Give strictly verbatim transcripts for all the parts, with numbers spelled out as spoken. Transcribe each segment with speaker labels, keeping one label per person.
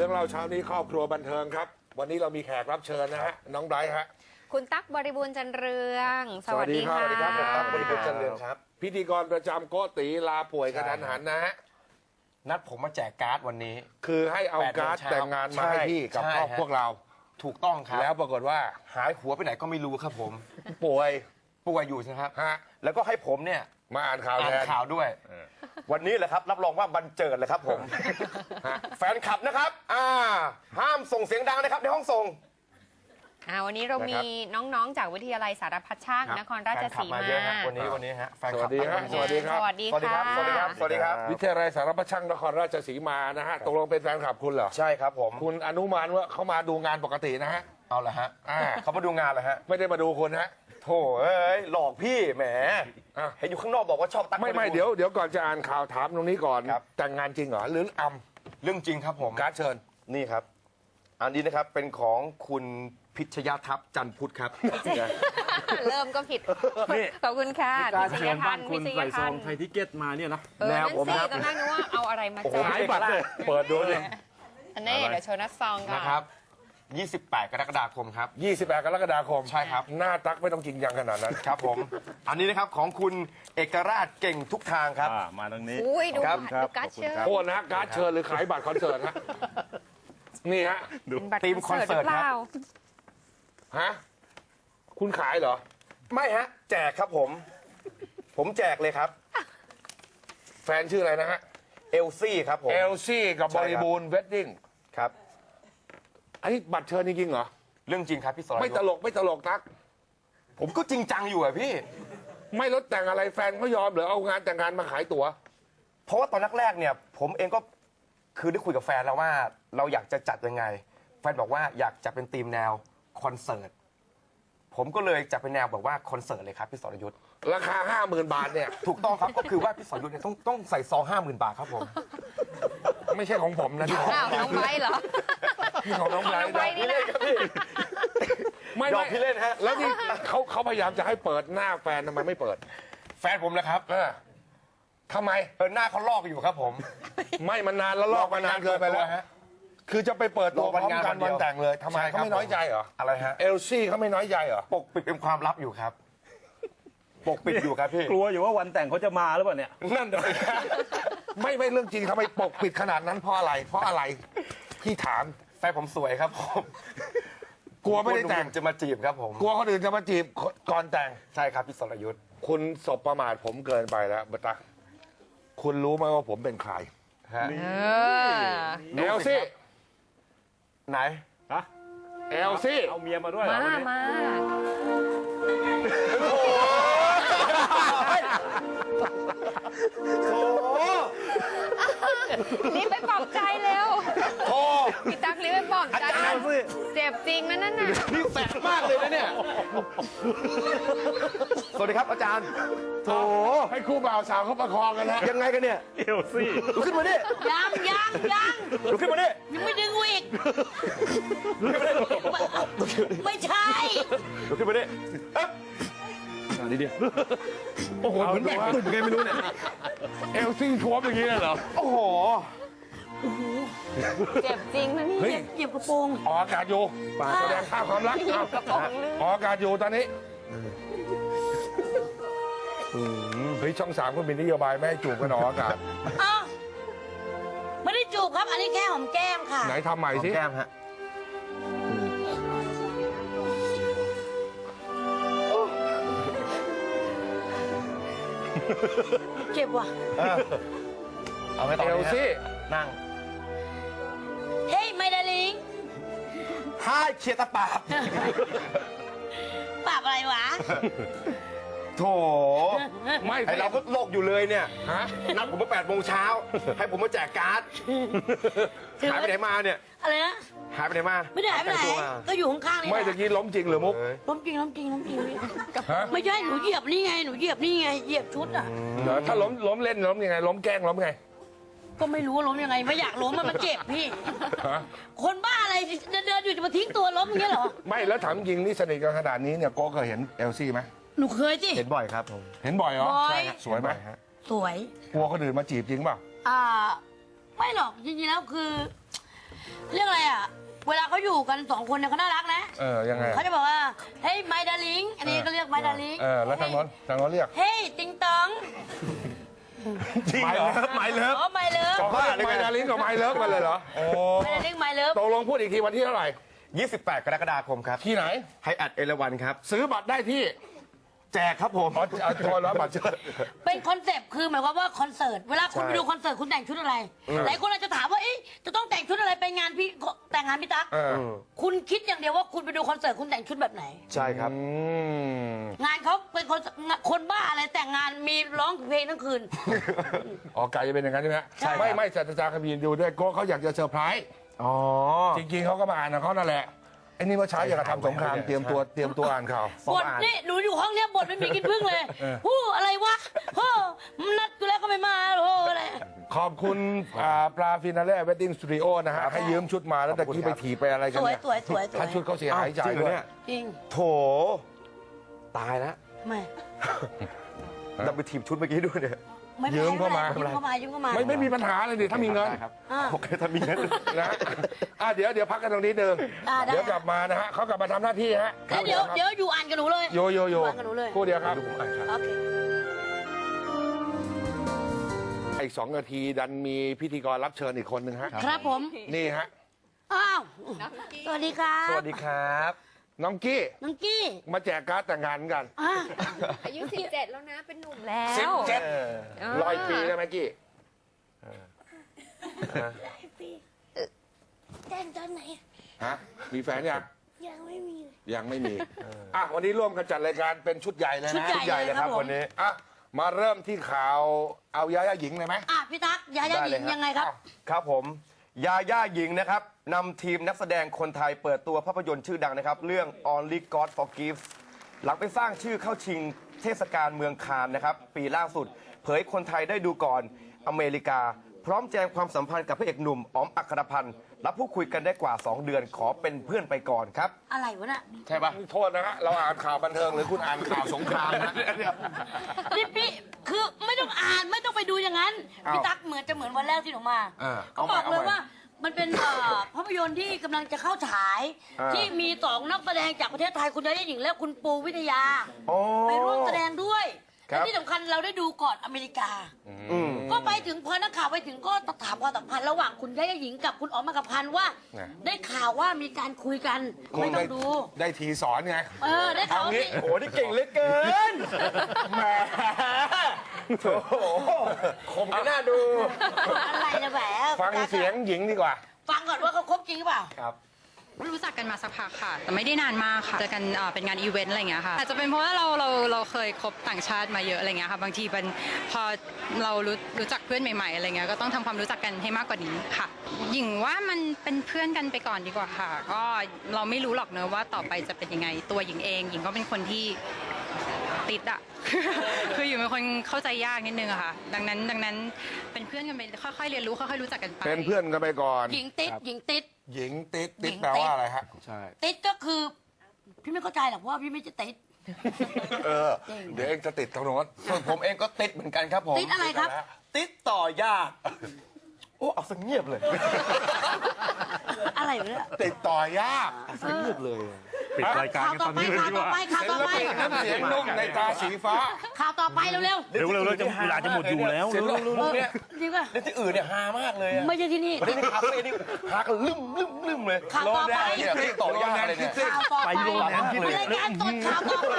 Speaker 1: รื่องเล่าเช้านี้ครอบครัวบันเทิงครับวันนี้เรามีแขกรับเชิญนะฮะน้องไบรท์ฮะ
Speaker 2: คุณตั๊กบริบูรณ์จันเรืองสวัสดีค่ะ
Speaker 1: สวัสดีครับตั๊กบริบูรณ์จันเรืองครับพิธีกรประจำโกติลาป่วยกระทันหันนะฮะ
Speaker 3: นัดผมมาแจกการ์ดวันนี้
Speaker 1: คือให้เอาการ์ดแต่งงานมาให้พี่กับครอบพวกเรา
Speaker 3: ถูกต้องครับ
Speaker 1: แล้วปรากฏว่า
Speaker 3: หายหัวไปไหนก็ไม่รู้ครับผม
Speaker 1: ป่วย
Speaker 3: ป่วยอยู่นะครับ
Speaker 1: ฮะ
Speaker 3: แล้วก็ให้ผมเนี่ย
Speaker 1: มาอ่านข่าว
Speaker 3: อ่านข่าวด้วยวันนี้แหละครับรับรองว่าบันเจิดเลยครับผมแฟนคลับนะครับอ่าห้ามส่งเสียงดังนะครับในห้องส่ง
Speaker 2: อ่าวันนี้เรามีน้องๆจากวิทยาลัยสารพัดช่างนครราชสีมา
Speaker 3: วันนี้วันนี้ฮะ
Speaker 1: สวัสดีครับสวัสดีครับ
Speaker 2: สวัสดีครับ
Speaker 3: สวัสดีครับสวัสดีครับ
Speaker 1: วิทยาลัยสารพัดช่างนครราชสีมานะฮะตกลงเป็นแฟนคลับคุณเหรอ
Speaker 3: ใช่ครับผม
Speaker 1: คุณอนุมานว่าเขามาดูงานปกตินะฮะ
Speaker 3: เอาละฮะเขามาดูงานเลยฮะ
Speaker 1: ไม่ได้มาดูคุณฮะ
Speaker 3: โถ่เอ้ยหลอกพี่แหมเห็นอยู่ข้างนอกบอกว่าชอบตั๊ก
Speaker 1: ไม่ไม่เดี๋ยวเดี๋ยวก่อนจะอ่านข่าวถามตรงนี้ก่อนแต่งงานจริงเหรอหรืออ
Speaker 3: ำเรื่องจริงครับผม
Speaker 1: การ์ดเชิญ
Speaker 3: นี่ครับอันนี้นะครับเป็นของคุณพิชยทัพจันพุทธครับ
Speaker 2: เริ่มก็ผิดขอบคุณค่ะ
Speaker 4: การเชิญบ้านคุณใส่ซองไทยทิเก็ตมาเนี่ยนะ
Speaker 2: แนวผมครับตอนแรกนึกว่าเอาอะไรมาแจก
Speaker 1: หายบัตรเลยเปิดดูเลย
Speaker 2: อันนี้เดี๋ยวโชว์นัดซองกัน
Speaker 3: นะครับยี่สิบแปดกรกฎาคมครับ
Speaker 1: ยี่สิบแปดกรกฎาคม
Speaker 3: ใช่ครับ
Speaker 1: หน้าตั๊กไม่ต้องจริงจังขนาดนั้น
Speaker 3: ครับผมอันนี้นะครับของคุณเอกราชเก่งทุกทางครับ
Speaker 4: มาตรงนี้
Speaker 2: อุ้ยดูการ์ดเชิญ
Speaker 1: โทษนะการ์ดเชิญหรือขายบัตรคอนเสิร์ตฮะนี่ฮะ
Speaker 3: ทีมคอนเสิร์ตครับ
Speaker 1: ฮะคุณขายเหรอ
Speaker 3: ไม่ฮะแจกครับผมผมแจกเลยครับ
Speaker 1: แฟนชื่ออะไรนะฮะ
Speaker 3: เอลซี่ครับผม
Speaker 1: เอลซี่กับบริบูรณ์เวดดิ้ง
Speaker 3: ครับ
Speaker 1: อันนี้บัตรเชิญจริงเหรอ
Speaker 3: เรื่องจริงครับพี่สอน
Speaker 1: ไม่ตลกไม่ตลกตั๊ก
Speaker 3: ผมก็จริงจังอยู่อะพี่
Speaker 1: ไม่ลดแต่งอะไรแฟนเขายอมหรือเอางานแต่งงานมาขายตั๋ว
Speaker 3: เพราะว่าตอนแรกๆเนี่ยผมเองก็คือได้คุยกับแฟนแล้วว่าเราอยากจะจัดยังไงแฟนบอกว่าอยากจะเป็นธีมแนวคอนเสิร์ตผมก็เลยจัดเป็นแนวแบบว่าคอนเสิร์ตเลยครับพี่สรยุทธ์
Speaker 1: ราคาห้าหมื่นบาทเนี่ย
Speaker 3: ถูกต้องครับก็คือว่าพี่สรยุทธ์เนี่ยต้องต้องใส่ซองห้าหมื่นบาทครับผม
Speaker 1: ไม่ใช่ของผมนะที่ของ
Speaker 2: น้องไบรท์เหรอ
Speaker 1: ที่ของน้องไบรท์
Speaker 3: พี่เล่นครับพี่
Speaker 1: ไม่ไม่พี่เล่นฮะแล้วนี่เขาเขาพยายามจะให้เปิดหน้าแฟนทำไมไม่เปิด
Speaker 3: แฟนผมนะครับ
Speaker 1: เออทำไม
Speaker 3: เปิดหน้าเขาลอกอยู่ครับผม
Speaker 1: ไม่มันนานแล้วลอกมานานเกินไปแล้วคือจะไปเปิดตัวพร้อมกันวันแต่งเลยทำไมเขาไม่น้อยใจเหรอ
Speaker 3: อะไรฮะ
Speaker 1: เอลซี่เขาไม่น้อยใจเหรอ
Speaker 3: ปกปิดเป็นความลับอยู่ครับปกปิดอยู่ครับพี่
Speaker 4: กลัวอยู่ว่าวันแต่งเขาจะมาหรือเปล่าเนี่ย
Speaker 1: นั่นเลยไม่ไม่เรื่องจริงทำไมปกปิดขนาดนั้นเพราะอะไรเพราะอะไรพี่ถาม
Speaker 3: แฟนผมสวยครับผม
Speaker 1: กลัวไม่ได้แต่ง
Speaker 3: จะมาจีบครับผม
Speaker 1: กลัวคนอื่นจะมาจีบก่อนแต่ง
Speaker 3: ใช่ครับพี่สรยุทธ์
Speaker 1: คุณสบประมาทผมเกินไปแล้วบัตรคุณรู้ไหมว่าผมเป็นใคร
Speaker 3: ฮะ
Speaker 1: เอลซี่
Speaker 3: ไหน
Speaker 4: ฮะ
Speaker 1: เอลซี่
Speaker 4: เอาเมียมาด้วย
Speaker 2: มามารีบไปปลอบใจเร็ว
Speaker 1: โอ้
Speaker 2: พี่ตั๊กรีบไปปลอบใจเจ็บจริงนะนั่นน่ะ
Speaker 1: นี่แสบมากเลยนะเนี่ย
Speaker 3: สวัสดีครับอาจารย์
Speaker 1: โถให้คู่บ่าวสาวเขาประคองกันนะ
Speaker 3: ยังไงกันเนี่ย
Speaker 4: เอลซี่
Speaker 3: ลุกขึ้นมาดิ
Speaker 2: ยังยังยัง
Speaker 3: ลุกขึ้นมาดิ
Speaker 2: ยังไม่ดึงอีกไม่ใช่
Speaker 3: ลุกขึ้นมาดิ
Speaker 4: นี่ดิ
Speaker 1: โอ้โหเหมือนแบบตุ่มไงไม่รู้เนี่ยเอลซี่ทวมอย่างนี้เลยเหรอ
Speaker 3: โอ้โห
Speaker 2: เจ็บจริงนะนี่เจ็บกระโปรง
Speaker 1: ออกอากาศอยู่แสดงภาพความรัก
Speaker 2: กระโปรง
Speaker 1: ออกอากาศอยู่ตอนนี้เฮ้ยช่องสามก็มีนโยบายไม่ให้จูบกันออกอากาศ
Speaker 5: ไม่ได้จูบครับอันนี้แค่หอมแก้มค่ะ
Speaker 1: ไหนทำใหม่สิ
Speaker 3: แก้มฮะ
Speaker 5: เจ็บว่ะ
Speaker 3: เอาไปต่อ
Speaker 1: เอลซี่
Speaker 3: นั่ง
Speaker 5: เฮ้ยไม่ดาลิง
Speaker 3: ห้าเชียร์ตะปาบ
Speaker 5: ปาบอะไรวะ
Speaker 3: โถ
Speaker 1: ไม่
Speaker 3: ไอเราก็โลกอยู่เลยเนี่ย
Speaker 1: ฮะ
Speaker 3: นัดผมมาแปดโมงเช้าให้ผมมาแจกการ์ดหายไปไหนมาเนี่ย
Speaker 5: อะไรนะ
Speaker 3: หายไปไหนมา
Speaker 5: ไม่ได้หายไปไหนก็อยู่ข้างๆนี่
Speaker 1: ไม่ตะกี้ล้มจริงหรือมุก
Speaker 5: ล้มจริงล้มจริงล้มจริงไม่ใช่หนูเหยียบนี่ไงหนูเหยียบนี่ไงเหยียบชุดอ่ะ
Speaker 1: ถ้าล้มล้มเล่นล้มยังไงล้มแกล้งล้มไง
Speaker 5: ก็ไม่รู้ว่าล้มยังไงไม่อยากล้มมันเจ็บพี่คนบ้าอะไรเดินอยู่จะมาทิ้งตัวล้มอย่างเงี้ยเหรอ
Speaker 1: ไม่แล้วถามจริงนี่สนิทกันขนาดนี้เนี่ยโก้เคยเห็นเอลซี่ไหม
Speaker 5: หนูเคยสิ
Speaker 3: เห็นบ่อยครับผม
Speaker 1: เห็นบ่อยเหรอ
Speaker 5: ใช่
Speaker 1: สวยไหม
Speaker 5: สวย
Speaker 1: กลัวคนอื่นมาจีบจริงเปล่า
Speaker 5: อ่าไม่หรอกจริงๆแล้วคือเรื่องอะไรอ่ะ เวลาเขาอยู่กันสองคนเนี่ยเขาน่ารักนะ
Speaker 1: เออยังไง
Speaker 5: เขาจะบอกว่าเฮ้ยไมดาลิงอันนี้ก็เรียกไมดาลิง
Speaker 1: เออแล้วทางโน้นทางโน้นเรียก
Speaker 5: เฮ้ยติงตอง
Speaker 1: จริงเหรอไมเลิฟ
Speaker 5: อ๋อไมเลิฟ
Speaker 1: เขาเรียกไมดาลินกับไมเลิฟมาเลยเหรอโอ้
Speaker 5: ไมดาลิงไมเลิฟ
Speaker 1: ตกลงพูดอีกทีวันที่เท่าไหร่
Speaker 3: ยี่สิบแปด กรกฎาคมครับ
Speaker 1: ที่ไหน
Speaker 3: ไฮแอดเอราวันครับ
Speaker 1: ซื้อบัตรได้ที่
Speaker 3: แจกครับผม
Speaker 1: อ๋อเอาโทรแล้วบัตรเชิญ
Speaker 5: เป็นคอนเซปต์คือหมายความว่าคอนเสิร์ตเวลาคุณไปดูคอนเสิร์ตคุณแต่งชุดอะไรหลายคนอาจจะถามว่าเอ๊ะจะต้องแต่งชุดอะไรไปงานพี่แต่งงานพี่ตั๊ก
Speaker 1: เออ
Speaker 5: คุณคิดอย่างเดียวว่าคุณไปดูคอนเสิร์ตคุณแต่งชุดแบบไหน
Speaker 3: ใช่ครับ
Speaker 1: อืม
Speaker 5: งานเขาเป็นคนคนบ้าอะไรแต่งงานมีร้องเพลงทั้งคืน
Speaker 1: อ๋อไก่จะเป็นอย่างนั้นใช่ไหม
Speaker 5: ใช่ครับ
Speaker 1: ไม่ไม่ศาสตราจารย์คบีนดูด้วยโก้เขาอยากจะเซอร์ไพรส์
Speaker 3: อ๋อ
Speaker 1: จริงๆเขาก็มาอ่านของเขานั่นแหละไอ้นี่เมื่อเช้าอยากจะทำสงครามเตรียมตัวเตรียมตัวอ่านข่าว
Speaker 5: บทนี่หนูอยู่ห้องเนี้ยบทไม่มีกินพึ่งเลยฮู้อะไรวะเฮ้อมันนัดกูแล้วก็ไม่มาโอ้อะไร
Speaker 1: ขอบคุณอ่าปลาฟินาเล่เวดดิ้งสตูดิโอนะฮะ ให้ยืมชุดมาแล้วตะกี้ไปถีบไปอะไรกั
Speaker 5: ส
Speaker 1: น
Speaker 5: วย
Speaker 1: เนี่ย
Speaker 5: สวยสวยสวย
Speaker 1: ถ้าชุดเขาเสียหายจ่าย
Speaker 3: จริงเหร
Speaker 1: ด้
Speaker 3: อ
Speaker 1: วย
Speaker 3: เนี่ย
Speaker 5: จริง
Speaker 3: โถ ตายแล้ว
Speaker 5: ไม่
Speaker 3: ดับไปทีมชุดเมื่อกี้ด้วยเนี่ย
Speaker 5: ไม่เป็นไร
Speaker 1: ยืมเข้ามา
Speaker 5: ยืมเข้ามายืมเข้ามา
Speaker 1: ไม่ไม่มีปัญหาเลยดิถ้ามีเงิน
Speaker 3: ได้ครับ
Speaker 5: อ่า
Speaker 3: โอเคถ้ามีเงิน
Speaker 1: นะอ่ะเดี๋ยวเดี๋ยวพักกันตรงนี้หนึ่ง
Speaker 5: อ่าได้
Speaker 1: เดี๋ยวกลับมานะฮะเขากลับมาทำหน้าที่ฮะ
Speaker 5: แล้วเดี๋ยวเดี๋ยวอยู่อ่านกับหนูเลย
Speaker 1: โยโยโย
Speaker 5: อ่านกับหนูเลย
Speaker 1: คู่เดียวครับ
Speaker 5: โอเค
Speaker 1: อีกสองนาทีดันมีพิธีกรรับเชิญอีกคนหนึ่งฮะ
Speaker 5: ครับผม
Speaker 1: นี่ฮะ
Speaker 5: อ้าวสวัสดีครับ
Speaker 3: สวัสดีครับ
Speaker 1: น้องกี้
Speaker 5: น้องกี้
Speaker 1: มาแจกการ์ดแต่งงานกัน
Speaker 5: อ่า
Speaker 2: อายุสิบเจ็ดแล้วนะ เป็นหนุ่มแล้ว
Speaker 1: สิบเจ็ด
Speaker 2: เออ
Speaker 1: ร้อยปีได้ไหมกี้
Speaker 5: แต่งตอนไหน
Speaker 1: ฮะมีแฟนยัง
Speaker 5: ยังไม่มี
Speaker 1: ยังไม่มีอ่ะวันนี้ร่วมกันจัดรายการเป็นชุดใหญ่เลย
Speaker 5: ชุด
Speaker 1: นะ
Speaker 5: ใหญ่
Speaker 3: ใหญ่เลยครับ
Speaker 5: ผม
Speaker 3: วันนี้
Speaker 1: อ่ะมาเริ่มที่ข่าวเอายาย่าหญิงเลยไหม
Speaker 5: อ่ะพี่ตั๊กยาย่าหญิงยังไงครับ
Speaker 3: ครับผม ยาย่าหญิงนะครับนำทีมนักแสดงคนไทยเปิดตัวภาพยนตร์ชื่อดังนะครับ เรื่อง Only God Forgives หลังไปสร้างชื่อเข้าชิงเทศกาลเมืองคานส์นะครับ ปีล่าสุด เผยคนไทยได้ดูก่อนอเมริกา พร้อมแจงความสัมพันธ์กับพระเอกหนุ่มอ๋อมอัครพันธ์รับพูดคุยกันได้กว่า สอง เดือนขอเป็นเพื่อนไปก่อนครับ
Speaker 5: อะไรวะน่ะ
Speaker 1: ใช่ปะโทษนะฮะเราอ่านข่าวบันเทิงหรือคุณอ่านข่าวสงครามนะ
Speaker 5: นี่พี่คือไม่ต้องอ่านไม่ต้องไปดูอย่างนั้น
Speaker 1: อ้าว
Speaker 5: พี่ตั๊กเหมือนจะเหมือนวันแรกที่หนูมา
Speaker 1: เออ
Speaker 5: เขา
Speaker 1: เอาใหม่
Speaker 5: บอกเลย
Speaker 1: เอาใหม่
Speaker 5: ว่ามันเป็นเอ่อภาพยนตร์ที่กำลังจะเข้าฉาย
Speaker 1: อ่า
Speaker 5: ที่มีสองนักแสดงจากประเทศไทยคุณยาย่าหญิงและคุณปูวิทยา
Speaker 3: อ๋อ
Speaker 5: ไปร่วมแสดงด้วย
Speaker 3: ครั
Speaker 5: และ
Speaker 3: บ
Speaker 5: ที่สำคัญเราได้ดูก่อนอเมริกา
Speaker 3: อืม
Speaker 5: ก็ไปถึงพอนักข่าวไปถึงก็ถามความสัมพันธ์ระหว่างคุณยาย่าหญิงกับคุณอ๋อมอัครพันธ์ว่า ได้ข่าวว่ามีการคุยกันไม่ต้องดู
Speaker 1: ได้ทีสอนไง
Speaker 5: เออได้ข่าว
Speaker 1: เอา
Speaker 5: ว่า
Speaker 1: งี้
Speaker 5: พี่
Speaker 3: โอ้นี่เก่งเหลือเกินแหมโถคมกันน่าดู
Speaker 5: อะไรนะแหม
Speaker 1: ฟังเสียงหญิงดีกว่า
Speaker 5: ฟังก่อนว่าเขาคบจริงหรือเปล่า
Speaker 3: ครับ
Speaker 6: รู้จักกันมาสักพักค่ะ แต่ไม่ได้นานมากค่ะเจอกันเอ่อเป็นงานอีเวนต์อะไรอย่างเงี้ยค่ะอาจจะเป็นเพราะว่าเราเราเราเคยคบต่างชาติมาเยอะอะไรเงี้ยค่ะบางทีเป็นพอเรารู้รู้จักเพื่อนใหม่ๆอะไรเงี้ยก็ต้องทำความรู้จักกันให้มากกว่านี้ค่ะหญิงว่ามันเป็นเพื่อนกันไปก่อนดีกว่าค่ะ ก็เราไม่รู้หรอกเนอะว่าต่อไปจะเป็นยังไงตัวหญิงเองหญิงก็เป็นคนที่ติดอะ คืออยู่เป็นคนเข้าใจยากนิดนึงอะค่ะ ดังนั้นดังนั้นเป็นเพื่อนกันไปค่อยๆเรียนรู้ค่อยๆรู้จักกันไป
Speaker 1: เป็นเพื่อนกันไปก่อน
Speaker 5: หญิงติดหญิงติด
Speaker 1: หญิงติ๊ดติ๊ด
Speaker 5: หญิง
Speaker 1: แปลว่าอะไรฮะ
Speaker 3: ใช่
Speaker 5: ติดก็คือ พี่ไม่เข้าใจหรอกเพราะว่าพี่ไม่จะติด
Speaker 3: เออ
Speaker 1: เดี๋ยวเองจะติดตรงโน้น
Speaker 3: ส่วนผมเองก็ติดเหมือนกันครับผม
Speaker 5: ติดอะไรครับ
Speaker 3: ติดต่อยาก โอ้ เอาสังเงียบเลย
Speaker 5: อะไรวะเนี่ย
Speaker 1: ติดต่อยาก
Speaker 3: สังเงียบเลย
Speaker 4: ปิดรายการ
Speaker 5: ข่าว
Speaker 4: กัน
Speaker 5: ต่
Speaker 4: ต
Speaker 5: อ
Speaker 4: อน
Speaker 5: ไป
Speaker 4: นี้เลย
Speaker 5: ข่าว
Speaker 4: ดีก
Speaker 5: ต่อ
Speaker 4: ว่า
Speaker 5: ไปข่าว
Speaker 1: ศิ
Speaker 5: ต่อ
Speaker 1: ล
Speaker 5: ไป
Speaker 1: ปินน้ำเสียงนุ่มในตาสีฟ้า
Speaker 5: ข่าวต่อไปเร็ว
Speaker 4: เร็วๆเร็วจะเวลาจะหมดอยู่แล้ว
Speaker 3: เสียง
Speaker 4: เร็ว
Speaker 3: ลุงๆเนี่ย
Speaker 5: ๆจริงป่ะ
Speaker 3: เล่นที่อื่นเนี่ยฮามากเลยอะ
Speaker 5: ไม่ใช่ที่นี่
Speaker 3: ไม่ได้ในคาเฟ่นี่ฮากันลืมลืมลืมเลย
Speaker 5: ข่าวต่อไป
Speaker 3: เนี่ยติดต่อยากเลยเนี่ย
Speaker 5: ข่าวต่อไป
Speaker 4: ไปโรงแรมที่ไหน
Speaker 5: รายการสดข่าวต่อไป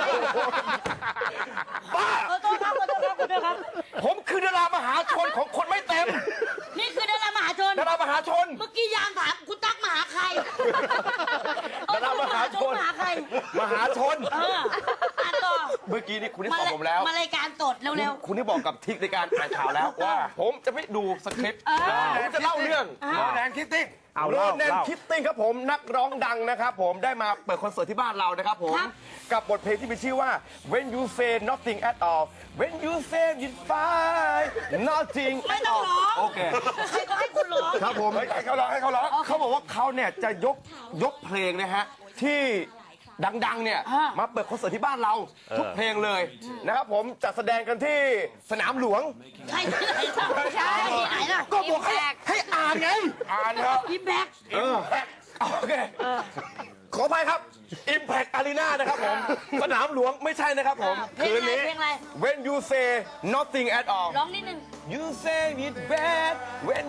Speaker 3: บ้า
Speaker 5: ขอโทษครับขอโทษครับขอโทษครับ
Speaker 3: ผมคือดารามหาชนของคนไม่เต็ม
Speaker 5: นี่คือดารามหาชน
Speaker 3: ดารามหาชน
Speaker 5: เมื่อกี้ยามถามคุณตั๊กมาหาใคร
Speaker 3: ดารามหาชน
Speaker 5: มาหาใคร
Speaker 3: มหาชน
Speaker 5: เอออ่านต่อ
Speaker 3: เมื่อกี้นี่คุณได้
Speaker 5: มา
Speaker 3: ตอบผมแล้ว
Speaker 5: มารายการสดเร็ว
Speaker 3: คุณที่บอกกับทิกในการอ่านข่าวแล้วว่า ผมจะไม่ดูสคริปต์
Speaker 5: เออ
Speaker 3: ผมจะเล่าเรื่อง
Speaker 1: โรแนนคิตติ้ง
Speaker 4: เอา
Speaker 3: โร
Speaker 4: เล่า
Speaker 3: แนน
Speaker 4: เล่า
Speaker 3: คิตติ้งครับผมนักร้องดังนะครับผมได้มาเปิดคอนเสิร์ตที่บ้านเรานะครับผม กับบทเพลงที่มีชื่อว่า When You Say Nothing at All When You Say It's Fine Nothing
Speaker 5: ๆ ไม่
Speaker 3: at
Speaker 5: ต้อง
Speaker 3: all
Speaker 5: ร้อง
Speaker 3: โอเค
Speaker 5: ใครก็ให้คุณร้อง
Speaker 3: ครับผม
Speaker 1: ให้เขาร้องให้เขาร้อง
Speaker 3: เขาบอกว่าเขาเนี่ยจะยกยกเพลงนะฮะที่ดังๆเนี่ย
Speaker 5: อ่า
Speaker 3: มาเปิดคอนเสิร์ตที่บ้านเราทุกเพลงเลยนะครับผมจัดแสดงกันที่สนามหลวง
Speaker 5: ใครที่ไหนล่ะใช่ที่ไหนล่ะ
Speaker 3: ก็บอกให้ให้อ่านไง
Speaker 1: อ่านเถอะ
Speaker 5: พี่แบ็ค
Speaker 3: โอเคขออภัยครับ Impact Arena นะครับผม สนามหลวงไม่ใช่นะครับผม
Speaker 5: เพลง
Speaker 3: คืน
Speaker 5: อะไร
Speaker 3: นี้
Speaker 5: เพลงอะไร
Speaker 3: When you say nothing at all
Speaker 5: ร้องนิดนึง
Speaker 3: you say it bad when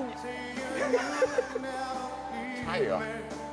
Speaker 1: ใช่เหรอ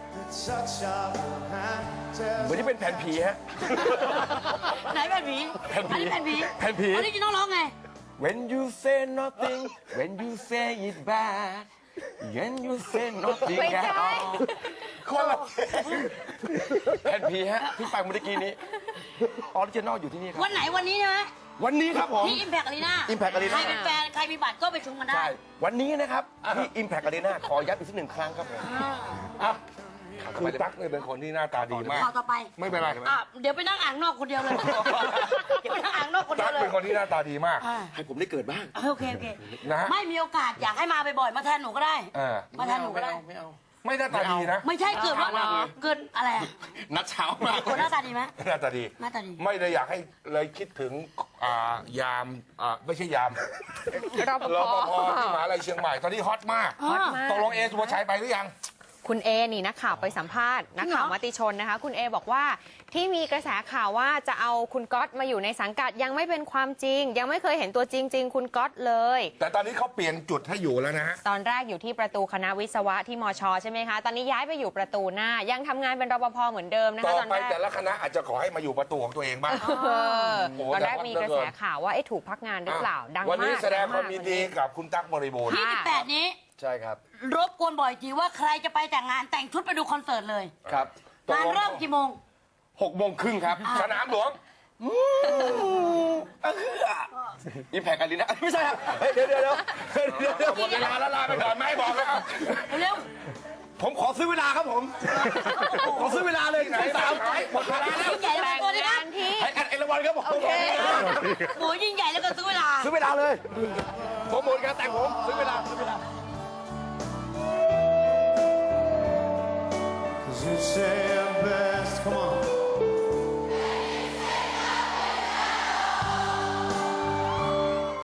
Speaker 3: เหมือนที่เป็นแผ่นผีฮะ
Speaker 5: ไหนแผ่นผี
Speaker 3: แผ่นผี
Speaker 5: อันนี้แผ่นผี
Speaker 3: แผ่นผี
Speaker 5: อันนี้จะต้องร้องไง
Speaker 3: When you say nothing when you say it bad when you say nothing
Speaker 2: ไม่
Speaker 3: at
Speaker 2: ใช่
Speaker 3: all คนละแผ่นผีฮะที่ฟังเมื่อกี้นี้ออริจินอลอยู่ที่นี่ครับ
Speaker 5: วันไหนวันนี้ใช่ไหม
Speaker 3: วันนี้ครับผม
Speaker 5: ที่ Impact Arena
Speaker 3: Impact Arena
Speaker 5: ใครเป็นแฟน ใครมีบัตรก็ไปชมกันได้
Speaker 3: ใช่ วันนี้นะครับ ที่ Impact Arena ขอย้ำอีกสักหนึ่งครั้งครับผม
Speaker 1: อ่ะคือตั๊กเนี่ยเป็นคนที่หน้าตาดีมาก
Speaker 5: ข่าวต่อไป
Speaker 1: ไม่เป็นไร
Speaker 5: อ่ะเดี๋ยวไปนั่งอ่างนอกคนเดียวเลย เดี๋ยวไปนั่งอ่างนอกคนเดี
Speaker 1: ตั๊
Speaker 5: ย
Speaker 1: ก
Speaker 5: วเลย
Speaker 1: เป็นคนที่หน้าตาดีมาก
Speaker 5: อ่ะ
Speaker 3: ให้ผมได้เกิดบ้าง
Speaker 5: โอเคโอเค
Speaker 1: นะฮะ
Speaker 5: ไม่มีโอกาสอยากให้มาบ่อยๆมาแทนหนูก็ได้
Speaker 1: เออ
Speaker 5: มาแทนหนูก็ได้
Speaker 3: ไม่เอา
Speaker 1: ไม่หน้าตาดีนะ
Speaker 5: ไม่ใช่เกิดว่าเกินอะไรอะ
Speaker 3: นัดเช้ามาก
Speaker 5: คนหน้าตาดีไหม
Speaker 1: หน้าตาดี
Speaker 5: หน้าตาดี
Speaker 1: ไม่ได้อยากให้เลยคิดถึงอ่ายามอ่าไม่ใช่ยาม
Speaker 2: รปภ
Speaker 1: รปภที่มหาลัยเชียงใหม่ตอนนี้ฮอตมาก
Speaker 5: ฮอตมาก
Speaker 1: ตกลงเอสุภาชัยไปหรือยัง
Speaker 2: คุณเอนี่นักข่าวไปสัมภาษณ์นักข่าวมติชนนะคะ คุณเอบอกว่าที่มีกระแสข่าวว่าจะเอาคุณก๊อตมาอยู่ในสังกัดยังไม่เป็นความจริง ยังไม่เคยเห็นตัวจริง ๆ คุณก๊อตเลย
Speaker 1: แต่ตอนนี้เขาเปลี่ยนจุดให้อยู่แล้วนะฮะ
Speaker 2: ตอนแรกอยู่ที่ประตูคณะวิศวะที่มชใช่ไหมคะ ตอนนี้ย้ายไปอยู่ประตูหน้า ยังทำงานเป็นรปภเหมือนเดิมนะ
Speaker 1: ต่
Speaker 2: คะ
Speaker 1: อ
Speaker 2: ตอน
Speaker 1: ไป
Speaker 2: แรก
Speaker 1: แต่ละคณะอาจจะขอให้มาอยู่ประตูของตัวเองบ้าง
Speaker 2: เออ
Speaker 1: โอ้
Speaker 2: ตอนแรก
Speaker 1: แต่
Speaker 2: มี
Speaker 1: ฮอต
Speaker 2: กระ
Speaker 1: เหลือเกิ
Speaker 2: แส
Speaker 1: น
Speaker 2: ข่าวว่าเอ๊ะถูกพักงานหรือเปล่า ดังมาก
Speaker 1: วันนี้แสดงความ
Speaker 2: ดั
Speaker 1: ยิน
Speaker 2: ม
Speaker 1: ดี
Speaker 2: ก
Speaker 1: กับคุณตั๊กบริบูรณ์
Speaker 5: ยี่สิบแปดนี้
Speaker 3: ใช่ครับ
Speaker 5: รบกวนบ่อยจีว่าใครจะไปแต่งงานแต่งชุดไปดูคอนเสิร์ตเลย
Speaker 3: ครับ
Speaker 5: งานเริ่มกี่โมง
Speaker 3: หกโมงครึ่งครับ
Speaker 1: สนามหลวง
Speaker 3: อิมแพกอารีนาไม่ใช่ครับเฮ้ยเดี๋ยวเดี๋ยวเดี๋ยวเดี๋ยวเดี๋ยว
Speaker 1: หมดเวลาแล้วลาไปก่อนไหมบอกแล้ว
Speaker 5: เร็ว
Speaker 3: ผมขอซื้อเวลาครับผม ขอซื้อเวลาเลย
Speaker 1: ไหน
Speaker 3: สาม
Speaker 1: ไหนหมดเวลาแล้ว
Speaker 5: ยิ่งใหญ่แล้ว
Speaker 2: แต่
Speaker 5: กัน
Speaker 2: ง
Speaker 5: ตัวนี้นะ
Speaker 2: งานที่
Speaker 3: ให้กันเอราวันครับผม
Speaker 5: โอเคโหยิ่งใหญ่แล้วกันซื้อเวลา
Speaker 3: ซื้อเวลาเลยผมหมดการแต่งผมซื้อเวลาซื้อเวลา
Speaker 7: 'Cause you say your best, come on.